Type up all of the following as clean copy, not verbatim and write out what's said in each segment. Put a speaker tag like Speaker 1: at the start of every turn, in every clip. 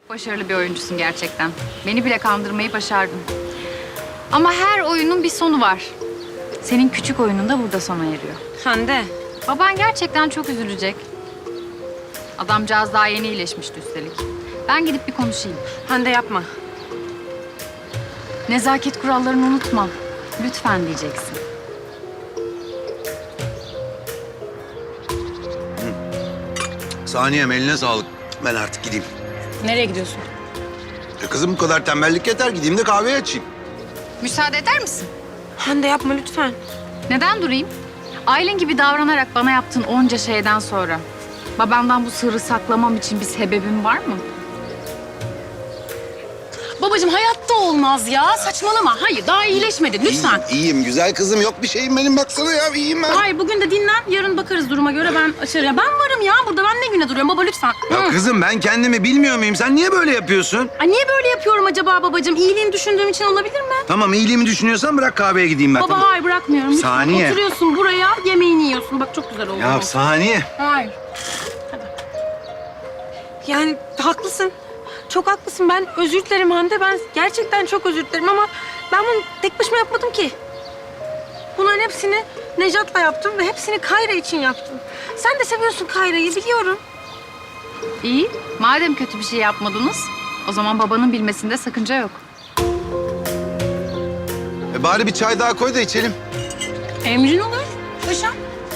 Speaker 1: Başarılı bir oyuncusun gerçekten. Beni bile kandırmayı başardın. Ama her oyunun bir sonu var. Senin küçük oyunun da burada sona eriyor.
Speaker 2: Hande.
Speaker 1: Baban gerçekten çok üzülecek. Adamcağız daha yeni iyileşmişti üstelik. Ben gidip bir konuşayım.
Speaker 2: Hande yapma.
Speaker 1: Nezaket kurallarını unutma. Lütfen diyeceksin.
Speaker 3: Saniyem eline sağlık. Ben artık gideyim.
Speaker 2: Nereye gidiyorsun?
Speaker 3: Kızım bu kadar tembellik yeter. Gideyim de kahve açayım.
Speaker 1: Müsaade eder misin?
Speaker 2: Hande yapma lütfen.
Speaker 1: Neden durayım? Aylin gibi davranarak bana yaptığın onca şeyden sonra... babamdan bu sırrı saklamam için bir sebebin var mı?
Speaker 2: Babacığım hayatta olmaz ya. Saçmalama. Hayır daha iyileşmedin lütfen.
Speaker 3: İyiyim güzel kızım. Yok bir şeyim benim. Baksana ya iyiyim ben.
Speaker 2: Hayır bugün de dinlen. Yarın bakarız duruma göre ben açarım. Ya ben varım ya burada. Ben ne güne duruyorum baba lütfen.
Speaker 3: Ya kızım ben kendimi bilmiyor muyum? Sen niye böyle yapıyorsun?
Speaker 2: Ay, niye böyle yapıyorum acaba babacığım? İyiliğini düşündüğüm için olabilir mi?
Speaker 3: Tamam iyiliğimi düşünüyorsan bırak kahveye gideyim ben.
Speaker 2: Baba
Speaker 3: Tamam.
Speaker 2: hayır bırakmıyorum. Lütfen.
Speaker 3: Saniye.
Speaker 2: Oturuyorsun buraya yemeğini yiyorsun. Bak çok güzel oldu.
Speaker 3: Ya saniye.
Speaker 2: Hayır. Yani haklısın. Çok haklısın. Ben özür dilerim Hande. Ben gerçekten çok özür dilerim ama ben bunu tek başıma yapmadım ki. Bunların hepsini Nejat'la yaptım ve hepsini Kayra için yaptım. Sen de seviyorsun Kayra'yı biliyorum.
Speaker 1: İyi. Madem kötü bir şey yapmadınız... o zaman babanın bilmesinde sakınca yok.
Speaker 3: Bari bir çay daha koy da içelim.
Speaker 2: Emrin olur. Paşam.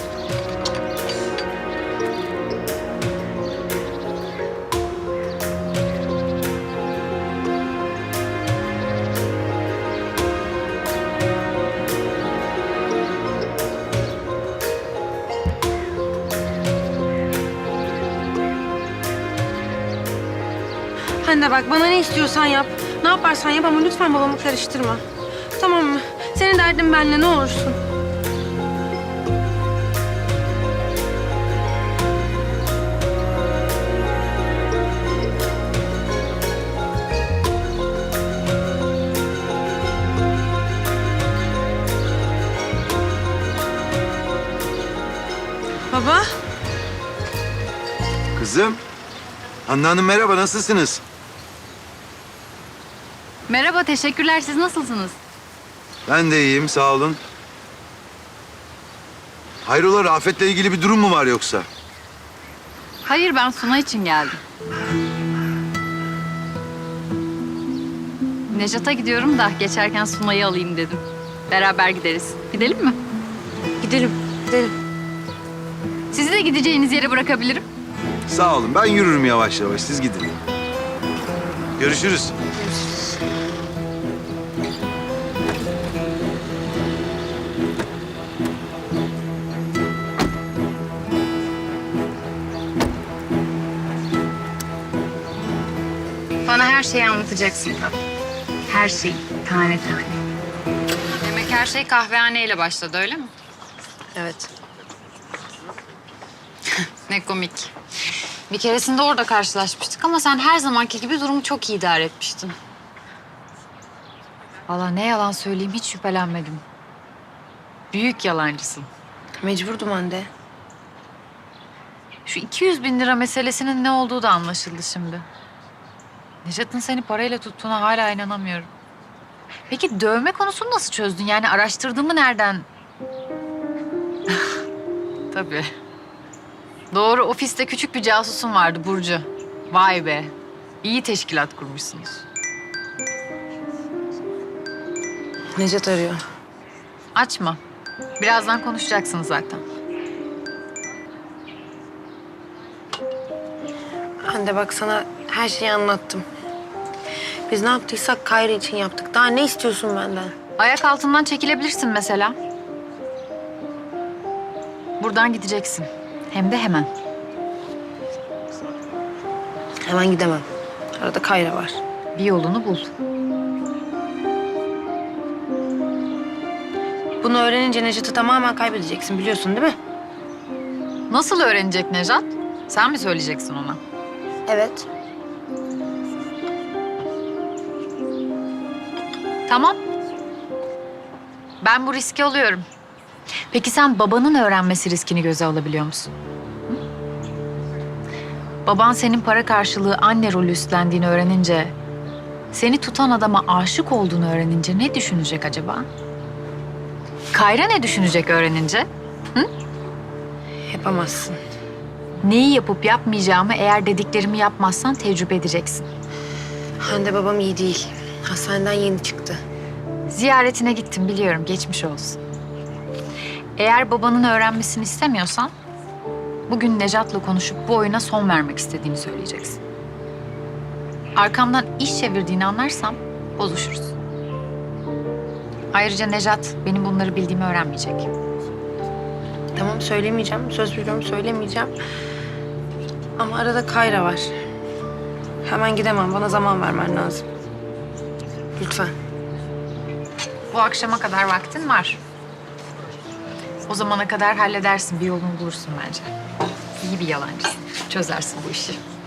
Speaker 2: Hande bak bana ne istiyorsan yap. Ne yaparsan yap ama lütfen babamı karıştırma. Tamam mı? Senin derdin benimle ne olursun. Baba.
Speaker 3: Kızım. Handan Hanım merhaba nasılsınız?
Speaker 1: Merhaba, teşekkürler. Siz nasılsınız?
Speaker 3: Ben de iyiyim sağ olun. Hayrola Rafet'le ilgili bir durum mu var yoksa?
Speaker 1: Hayır, ben Suna için geldim. Nejat'a gidiyorum da geçerken Suna'yı alayım dedim. Beraber gideriz. Gidelim mi?
Speaker 2: Gidelim, gidelim.
Speaker 1: Sizi de gideceğiniz yere bırakabilirim.
Speaker 3: Sağ olun ben yürürüm yavaş yavaş siz gidin. Görüşürüz.
Speaker 1: Bana her şeyi anlatacaksın. Her şeyi, tane tane. Demek her şey kahvehaneyle başladı, öyle mi?
Speaker 2: Evet.
Speaker 1: Ne komik. Bir keresinde orada karşılaşmıştık ama sen her zamanki gibi durumu çok iyi idare etmiştin. Vallahi ne yalan söyleyeyim hiç şüphelenmedim. Büyük yalancısın.
Speaker 2: Mecburdum Hande.
Speaker 1: Şu 200.000 lira meselesinin ne olduğu da anlaşıldı şimdi. Nejat'ın seni parayla tuttuğuna hala inanamıyorum. Peki dövme konusunu nasıl çözdün? Yani araştırdığımı nereden? Tabii. Doğru, ofiste küçük bir casusun vardı Burcu. Vay be. İyi teşkilat kurmuşsunuz.
Speaker 2: Nejat arıyor.
Speaker 1: Açma. Birazdan konuşacaksınız zaten.
Speaker 2: Hande bak sana her şeyi anlattım. Biz ne yaptıysak Kayra için yaptık. Daha ne istiyorsun benden?
Speaker 1: Ayak altından çekilebilirsin mesela. Buradan gideceksin. Hem de hemen.
Speaker 2: Hemen gidemem. Arada Kayra var.
Speaker 1: Bir yolunu bul.
Speaker 2: Bunu öğrenince Nejat'ı tamamen kaybedeceksin biliyorsun değil mi?
Speaker 1: Nasıl öğrenecek Nejat? Sen mi söyleyeceksin ona?
Speaker 2: Evet.
Speaker 1: Tamam. Ben bu riski alıyorum. Peki sen babanın öğrenmesi riskini göze alabiliyor musun? Hı? Baban senin para karşılığı anne rolü üstlendiğini öğrenince, seni tutan adama aşık olduğunu öğrenince ne düşünecek acaba? Kayra ne düşünecek öğrenince?
Speaker 2: Yapamazsın.
Speaker 1: Neyi yapıp yapmayacağımı eğer dediklerimi yapmazsan tecrübe edeceksin.
Speaker 2: Hande babam iyi değil. Hastaneden yeni çıktı.
Speaker 1: Ziyaretine gittim biliyorum, geçmiş olsun. Eğer babanın öğrenmesini istemiyorsan, bugün Nejat'la konuşup bu oyuna son vermek istediğini söyleyeceksin. Arkamdan iş çevirdiğini anlarsam bozuşuruz. Ayrıca Nejat benim bunları bildiğimi öğrenmeyecek.
Speaker 2: Tamam söylemeyeceğim. Söz veriyorum söylemeyeceğim. Ama arada Kayra var. Hemen gidemem. Bana zaman vermen lazım. Lütfen.
Speaker 1: Bu akşama kadar vaktin var. O zamana kadar halledersin, bir yolunu bulursun bence. İyi bir yalancısın, çözersin bu işi.